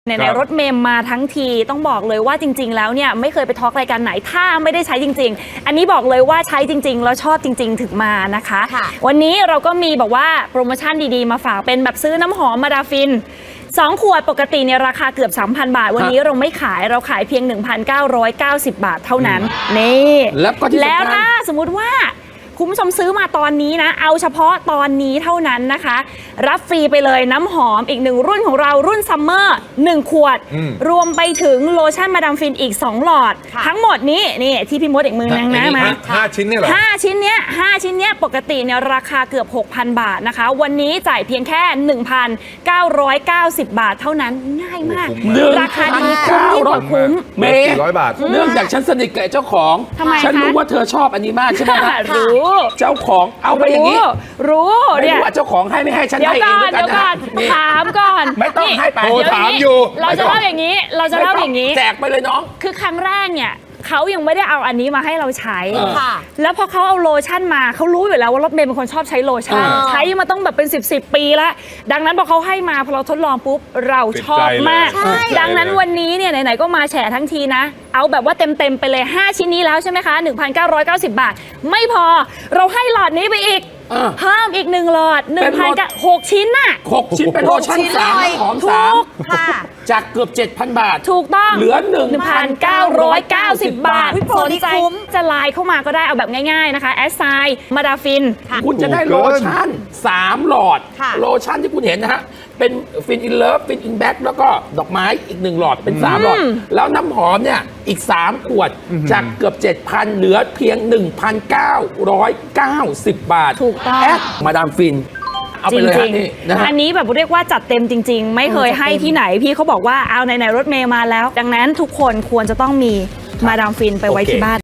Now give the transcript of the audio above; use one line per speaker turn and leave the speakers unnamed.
ในรถเมมมาทั้งทีต้องบอกเลยว่าจริงๆแล้วเนี่ยไม่เคยไปทอล์กรายการไหนถ้าไม่ได้ใช้จริงๆอันนี้บอกเลยว่าใช้จริงๆแล้วชอบจริงๆถึงมานะคะวันนี้เราก็มีบอกว่าโปรโมชั่นดีๆมาฝากเป็นแบบซื้อน้ำหอมมาดาฟิน2 ขวดปกติเนี่ยราคาเกือบ 3,000 บาทวันนี้เราไม่ขายเราขายเพียง 1,990 บาทเท่านั้นนี่แล้วถ้าสมมุติว่าคุณผู้ชมซื้อมาตอนนี้นะเอาเฉพาะตอนนี้เท่านั้นนะคะรับฟรีไปเลยน้ำหอมอีก1รุ่นของเรารุ่นซัมเมอร์1 ขวดรวมไปถึงโลชั่นมาดามฟินอีก2 หลอดทั้งหมดนี้นี่ที่พี่มดอีกมือนึงนะมา
5 ชิ้นเนี่ยเหรอ
5 ชิ้นเนี้ยปกติเนี่ยราคาเกือบ 6,000 บาทนะคะวันนี้จ่ายเพียงแค่ 1,990 บาทเท่านั้นง่ายมากราคาดีคุ้ม
เมย์400 บาท
เนื่องจากฉันสนิทกับเจ้าของฉันรู้ว่าเธอชอบอันนี้มากใช่ไหม
รู้
เจ้าของเอาไปอย่างนี้
รู้
เนี่ยว่าเจ้าของให้ไม่ให้ฉันให้เองด้วยกันนะ
ถามก่อน
ไม่ต้องให้ไป
ถามอยู่
เราจะเล่าอย่างนี้
แจกไปเลยน้อง
คือครั้งแรกเนี่ยเขายังไม่ได้เอาอันนี้มาให้เราใช้แล้วพอเขาเอาโลชั่นมาเขารู้อยู่แล้วว่ารถเมย์เป็นคนชอบใช้โลชั่นใช้มาต้องแบบเป็น10 ปีแล้วดังนั้นพอเขาให้มาพอเราทดลองปุ๊บเราชอบมากดังนั้นวันนี้เนี่ยไหนๆก็มาแฉทั้งทีนะเอาแบบว่าเต็มไปเลย5 ชิ้นนี้แล้วใช่ไหมคะ 1,990 บาทไม่พอเราให้หลอดนี้ไปอีกเพิ่มอีก1 หลอด 1,6 ชิ้นน่ะ
6 ชิ้นเป็นโลชั่น3หอม3จากเกือบ 7,000 บาท
ถูกต้อง
เหลือ
1,990 บาทสนใจจะไลน์เข้ามาก็ได้เอาแบบง่ายๆนะคะแอสไซน์มาดาฟิน
คุณจะได้โลชั่น3 หลอดโลชั่นที่คุณเห็นนะฮะเป็นฟินอินเลิฟฟินอินแบ็กแล้วก็ดอกไม้อีก1 หลอดเป็น3 หลอดแล้วน้ำหอมเนี่ยอีก3 ขวดจากเกือบ 7,000 เหลือเพียง 1,990 บาท
ถูกต้อง
แอดมาดามฟินเอาไปเลย
อันนี้แบบเรียกว่าจัดเต็มจริงๆไม่เคยให้ที่ไหนพี่เขาบอกว่าเอาไหนๆรถเมย์มาแล้วดังนั้นทุกคนควรจะต้องมีมาดามฟินไปไว้ที่บ้าน